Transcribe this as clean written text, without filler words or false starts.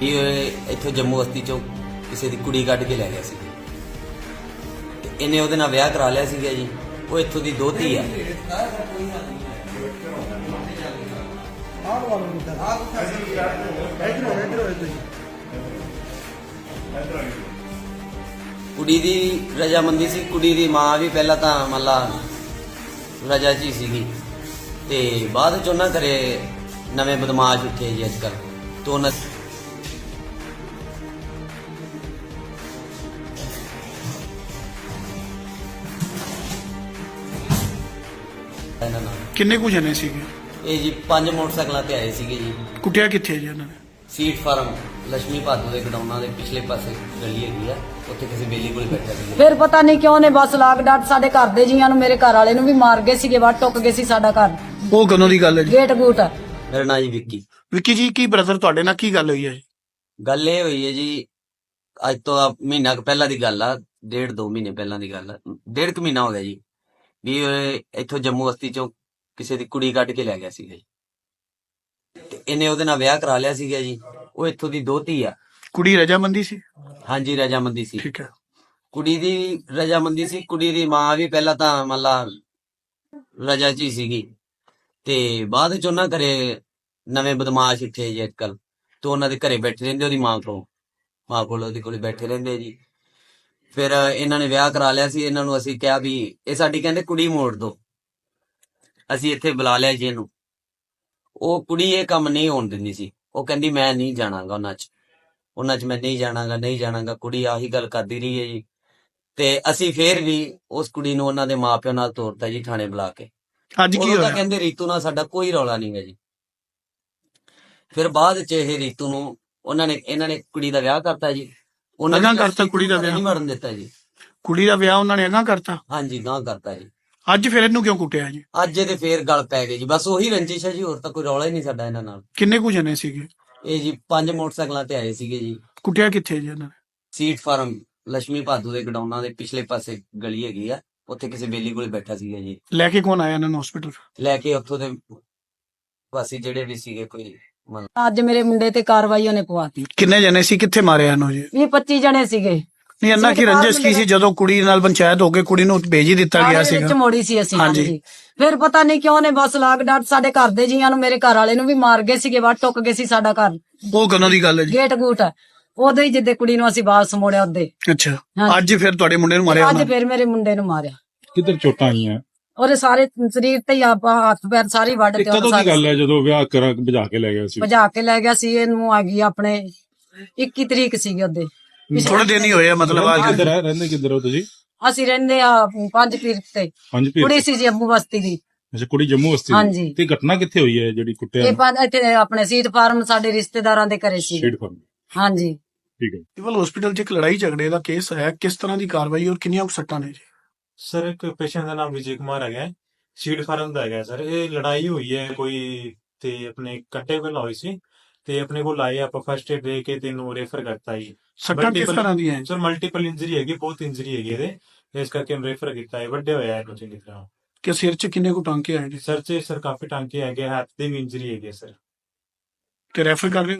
ਇਹ ਇੱਥੋਂ ਜੰਮੂ ਬਸਤੀ ਚੋਂ ਕਿਸੇ ਦੀ ਕੁੜੀ ਕੱਢ ਕੇ ਲੈ ਗਿਆ ਸੀ ਤੇ ਇਹਨੇ ਉਹਦੇ ਨਾਲ ਵਿਆਹ ਕਰਾ ਲਿਆ ਸੀਗਾ ਜੀ। ਉਹ ਇੱਥੋਂ ਦੀ ਦੋਹਤੀ ਆ। ਕੁੜੀ ਦੀ ਰਜਾਮੰਦੀ ਸੀ। ਕੁੜੀ ਦੀ ਮਾਂ ਵੀ ਪਹਿਲਾਂ ਤਾਂ ਮਤਲਬ ਰਜਾ 'ਚ ਹੀ ਸੀਗੀ ਤੇ ਬਾਅਦ 'ਚ ਉਹਨਾਂ ਘਰੇ ਨਵੇਂ ਬਦਮਾਸ਼ ਉੱਠੇ ਜੀ ਅੱਜ ਕੱਲ੍ਹ ਤੋਂ ਉਹਨਾਂ ਇਹਨਾਂ ਨਾਲ ਕਿੰਨੇ ਕੁ ਜਣੇ ਸੀਗੇ? ਇਹ ਜੀ 5 ਮੋਟਰਸਾਈਕਲਾਂ ਤੇ ਆਏ ਸੀਗੇ ਜੀ। ਕੁੱਟਿਆ ਕਿੱਥੇ ਜੀ ਇਹਨਾਂ ਨੇ? ਸੀਟ ਫਾਰਮ ਲక్ష్ਮੀ ਭਾਦੂ ਦੇ ਗਡਾਉਣਾ ਦੇ ਪਿਛਲੇ ਪਾਸੇ ਗਲੀ ਹੈਗੀ ਆ, ਉੱਥੇ ਕਿਸੇ ਬੇਲੀ ਕੋਲ ਬੈਠਾ ਸੀ। ਫਿਰ ਪਤਾ ਨਹੀਂ ਕਿਉਂ ਨੇ ਬਸ ਲਾਗ ਡਾਟ ਸਾਡੇ ਘਰ ਦੇ ਜੀਆਂ ਨੂੰ, ਮੇਰੇ ਘਰ ਵਾਲੇ ਨੂੰ ਵੀ ਮਾਰ ਗਏ ਸੀਗੇ, ਵੱਟ ਟੁੱਕ ਗਏ ਸੀ ਸਾਡਾ ਘਰ। ਉਹ ਕਦੋਂ ਦੀ ਗੱਲ ਹੈ ਜੀ? ਗੇਟ ਗੂਟ। ਮੇਰਾ ਨਾਂ ਜੀ ਵਿੱਕੀ। ਵਿੱਕੀ ਜੀ, ਕੀ ਬ੍ਰਦਰ ਤੁਹਾਡੇ ਨਾਲ ਕੀ ਗੱਲ ਹੋਈ ਹੈ ਜੀ? ਗੱਲ ਇਹ ਹੋਈ ਹੈ ਜੀ, ਅੱਜ ਤੋਂ ਮਹੀਨਾ ਕੁ ਪਹਿਲਾਂ ਦੀ ਗੱਲ ਆ, 1.5-2 ਮਹੀਨੇ ਪਹਿਲਾਂ ਦੀ ਗੱਲ ਆ, 1.5 ਕੁ ਮਹੀਨਾ ਹੋ ਗਿਆ ਜੀ ਵੀ ਇੱਥੋਂ ਜੰਮੂ ਬਸਤੀ ਚੋਂ ਕਿਸੇ ਦੀ ਕੁੜੀ ਕੱਢ ਕੇ ਲੈ ਗਿਆ ਸੀਗਾ ਜੀ ਤੇ ਇਹਨੇ ਉਹਦੇ ਨਾਲ ਵਿਆਹ ਕਰਾ ਲਿਆ ਸੀਗਾ ਜੀ। ਉਹ ਇੱਥੋਂ ਦੀ ਦੋਹਤੀ ਆ। ਕੁੜੀ ਰਜਾਮੰਦੀ ਸੀ? ਹਾਂਜੀ ਰਜਾਮੰਦੀ ਸੀ। ਠੀਕ ਹੈ। ਕੁੜੀ ਦੀ ਰਜਾਮੰਦੀ ਸੀ। ਕੁੜੀ ਦੀ ਮਾਂ ਵੀ ਪਹਿਲਾਂ ਤਾਂ ਮਤਲਬ ਰਜਾ 'ਚ ਹੀ ਸੀਗੀ ਤੇ ਬਾਅਦ 'ਚ ਉਹਨਾਂ ਘਰੇ ਨਵੇਂ ਬਦਮਾਸ਼ ਉੱਠੇ ਜੀ ਅੱਜ ਕੱਲ੍ਹ ਤੋਂ ਉਹਨਾਂ ਦੇ ਘਰੇ ਬੈਠੇ ਰਹਿੰਦੇ, ਉਹਦੀ ਮਾਂ ਕੋਲ ਉਹਦੇ ਕੋਲ ਬੈਠੇ ਰਹਿੰਦੇ ਜੀ। ਫਿਰ ਇਹਨਾਂ ਨੇ ਵਿਆਹ ਕਰਾ ਲਿਆ ਸੀ। ਇਹਨਾਂ ਨੂੰ ਅਸੀਂ ਕਿਹਾ ਵੀ ਇਹ ਸਾਡੀ ਕਹਿੰਦੇ ਕੁੜੀ ਮੋੜ ਦੋ, ਅਸੀਂ ਇੱਥੇ ਬੁਲਾ ਲਿਆ ਜੀ ਇਹਨੂੰ। ਉਹ ਕੁੜੀ ਇਹ ਕੰਮ ਨਹੀਂ ਹੋਣ ਦਿੰਦੀ ਸੀ। ਉਹ ਕਹਿੰਦੀ ਮੈਂ ਨਹੀਂ ਜਾਣਾਗਾ ਉਹਨਾਂ 'ਚ ਮੈਂ ਨਹੀਂ ਜਾਣਾਗਾ। ਕੁੜੀ ਆਹੀ ਗੱਲ ਕਰਦੀ ਰਹੀ ਹੈ ਜੀ ਤੇ ਅਸੀਂ ਫੇਰ ਵੀ ਉਸ ਕੁੜੀ ਨੂੰ ਉਹਨਾਂ ਦੇ ਮਾਪਿਆਂ ਨਾਲ ਤੋਰਤਾ ਜੀ ਥਾਣੇ ਬੁਲਾ ਕੇ। ਅੱਜ ਕੀ ਉਹ ਤਾਂ ਹੋਇਆ? ਕਹਿੰਦੇ ਰੀਤੂ ਨਾਲ ਸਾਡਾ ਕੋਈ ਰੌਲਾ ਨਹੀਂ ਹੈ ਜੀ। ਫਿਰ ਬਾਅਦ 'ਚ ਇਹ ਰੀਤੂ ਨੂੰ ਇਹਨਾਂ ਨੇ ਕੁੜੀ ਦਾ ਵਿਆਹ ਕਰਤਾ ਜੀ। ਅਗਾਂਹ ਕਰਤਾ ਕੁੜੀ ਦਾ ਵਿਆਹ? ਨਹੀਂ ਮਰਨ ਦਿੱਤਾ ਜੀ। ਕੁੜੀ ਦਾ ਵਿਆਹ ਉਹਨਾਂ ਨੇ ਅਗਾਂਹ ਕਰਤਾ? ਹਾਂਜੀ ਗਾਂਹ ਕਰਤਾ ਜੀ। ਅੱਜ ਫਿਰ ਇਹਨੂੰ ਕਿਉਂ ਕੁੱਟਿਆ ਜੀ? ਅੱਜ ਇਹਦੇ ਫੇਰ ਗੱਲ ਪੈ ਗਈ ਜੀ। ਬਸ ਉਹੀ ਰੰਜਿਸ਼ ਹੈ ਜੀ, ਹੋਰ ਤਾਂ ਕੋਈ ਰੌਲਾ ਹੀ ਨਹੀਂ ਸਾਡਾ ਇਹਨਾਂ ਨਾਲ। ਕਿੰਨੇ ਕੁ ਜਣੇ ਸੀਗੇ? ਇਹ ਜੀ 5 ਮੋਟਰਸਾਈਕਲਾਂ ਤੇ ਆਏ ਸੀਗੇ ਜੀ। ਕੁੱਟਿਆ ਕਿੱਥੇ ਜੀ ਇਹਨਾਂ ਨੇ? ਸੀਟ ਫਾਰਮ ਲక్ష్ਮੀ ਭਾਦੂ ਦੇ ਗਡਾਉਣਾ ਦੇ ਪਿਛਲੇ ਪਾਸੇ ਗਲੀ ਹੈਗੀ ਆ, ਉੱਥੇ ਕਿਸੇ ਬੇਲੀ ਕੋਲ ਬੈਠਾ ਸੀਗਾ ਜੀ। ਲੈ ਕੇ ਕੌਣ ਆਇਆ ਇਹਨਾਂ ਨੂੰ ਹਸਪੀਟਲ? ਲੈ ਕੇ ਉੱਥੋਂ ਦੇ ਵਾਸੀ ਜਿਹੜੇ ਵੀ ਸੀਗੇ ਕੋਈ ਅੱਜ ਮੇਰੇ ਮੁੰਡੇ ਤੇ ਕਾਰਵਾਈ ਉਹਨੇ ਪਵਾਤੀ। ਕਿੰਨੇ ਜਣੇ ਸੀ? ਕਿੱਥੇ ਮਾਰਿਆ ਇਹਨੂੰ ਜੀ? 20-25 ਜਣੇ ਸੀਗੇ। ਨਹੀਂ, ਇਹਨਾਂ ਕੀ ਰੰਜਿਸ਼ ਕੀ ਸੀ ਜਦੋਂ ਕੁੜੀ ਨਾਲ ਪੰਚਾਇਤ ਹੋ ਕੇ ਕੁੜੀ ਨੂੰ ਭੇਜ ਹੀ ਦਿੱਤਾ ਗਿਆ ਵਿੱਚ ਸੀਗਾ? ਮੋੜੀ ਸੀ ਅਸੀਂ। ਹਾਂਜੀ। ਹਾਂਜੀ। ਫਿਰ ਪਤਾ ਨਹੀਂ ਕਿਉਂ ਨੇ ਬਸ ਲਾਗ ਡਾਟ ਸਾਡੇ ਘਰ ਦੇ ਜੀਆਂ ਨੂੰ, ਮੇਰੇ ਘਰ ਵਾਲੇ ਨੂੰ ਵੀ ਮਾਰ ਗਏ ਸੀਗੇ, ਵੱਟ ਟੁੱਕ ਗਏ ਸੀ ਸਾਡਾ ਘਰ। ਉਹ ਕਦੋਂ ਦੀ ਗੱਲ ਹੈ ਜੀ? ਗੇਟ ਗੂਟ। ਉਦੋਂ ਹੀ ਜਿੱਦੇ ਕੁੜੀ ਨੂੰ ਅਸੀਂ ਵਾਪਸ ਮੋੜਿਆ ਉਹਦੇ। ਅੱਛਾ। ਹਾਂਜੀ। ਅੱਜ ਫਿਰ ਤੁਹਾਡੇ ਮੁੰਡੇ ਨੂੰ ਮਾਰਿਆ ਅੱਜ ਉਹਨਾਂ ਨੇ? ਫਿਰ ਮੇਰੇ ਮੁੰਡੇ ਨੂੰ ਮਾਰਿਆ। ਕਿੱਧਰ ਚੋਟਾਂ ਆਈਆਂ? ਉਹਦੇ ਸਾਰੇ ਸਰੀਰ ਤੇ ਹੀ ਆਪਾਂ ਹੱਥ ਪੈਰ ਸਾਰੇ ਵੱਢ ਤੇ ਕਦੋਂ ਦੀ ਗੱਲ ਹੈ ਜਦੋਂ ਵਿਆਹ ਕਰਾ ਭਜਾ ਕੇ ਲੈ ਗਿਆ ਸੀ? ਭਜਾ ਕੇ ਲੈ ਗਿਆ ਸੀ। ਇਹਨੂੰ ਆ ਗਈ ਆਪਣੇ 21 ਤਰੀਕ ਸੀਗੀ ਉਹਦੇ। ਥੋੜੇ ਦਿਨ ਹੀ ਹੋਏ ਆ ਮਤਲਬ ਅੱਜ? ਕਿੱਧਰ ਹੈ? ਰਹਿੰਦੇ ਕਿੱਧਰ ਹੋ ਤੁਸੀਂ? ਅਸੀਂ ਰਹਿੰਦੇ ਆ 5 ਪੀਰ ਤੇ। 5 ਪੀਰ? ਕੁੜੀ ਸੀ ਜੰਮੂ ਬਸਤੀ ਦੀ। ਅੱਛਾ, ਕੁੜੀ ਜੰਮੂ ਬਸਤੀ ਦੀ। ਹਾਂਜੀ। ਤੇ ਘਟਨਾ ਕਿੱਥੇ ਹੋਈ ਹੈ ਜਿਹੜੀ ਕੁੱਟਿਆ? ਇਹ ਇੱਥੇ ਆਪਣੇ ਸੀਟ ਫਾਰਮ ਸਾਡੇ ਰਿਸ਼ਤੇਦਾਰਾਂ ਦੇ ਘਰੇ ਸੀ। Sheet farm. ਹਾਂਜੀ। ਠੀਕ ਹੈ। ਸਿਵਲ ਹਸਪੀਟਲ 'ਚ ਇੱਕ ਲੜਾਈ ਝਗੜੇ ਦਾ ਕੇਸ ਹੈ, ਕਿਸ ਤਰ੍ਹਾਂ ਦੀ ਕਾਰਵਾਈ ਔਰ ਕਿੰਨੀਆਂ ਕੁ ਸੱਟਾਂ ਨੇ ਜੀ? ਸਰ ਇੱਕ ਪੇਸ਼ੈਂਟ ਦਾ ਨਾਮ ਵਿਜੇ ਕੁਮਾਰ ਹੈਗਾ, ਸੀਡ ਫਾਰਮ ਦਾ ਹੈਗਾ ਸਰ। ਇਹ ਲੜਾਈ ਹੋਈ ਹੈ ਕੋਈ ਤੇ ਆਪਣੇ ਕੱਟੇ ਕੋਲ ਹੋਈ ਸੀ ਤੇ ਆਪਣੇ ਕੋਲ ਆਏ, ਆਪਾਂ ਫਸਟ ਏਡ ਦੇ ਕੇ ਤੈਨੂੰ ਰੈਫਰ ਕਰਤਾ ਜੀ। ਸੱਟਾਂ ਕਿਸ ਤਰ੍ਹਾਂ ਦੀਆਂ ਹੈ? ਸਰ ਮਲਟੀਪਲ ਇੰਜਰੀ ਹੈਗੀ, ਬਹੁਤ ਇੰਜਰੀ ਹੈਗੀ ਇਹਦੇ, ਇਸ ਕਰਕੇ ਰੈਫਰ ਕੀਤਾ ਹੈ। ਵੱਡੇ ਹੋਇਆ ਇਹਨੂੰ ਚੰਗੀ ਤਰ੍ਹਾਂ। ਕਿ ਸਿਰ 'ਚ ਕਿੰਨੇ ਕੁ ਟਾਂਕੇ ਆਏ ਜੀ? ਸਰ 'ਚ ਸਰ ਕਾਫੀ ਟਾਂਕੇ ਹੈਗੇ, ਹੱਥ ਦੇ ਵੀ ਇੰਜਰੀ ਹੈਗੀ ਸਰ। ਤੇ ਰੈਫਰ ਕਰ ਰਹੇ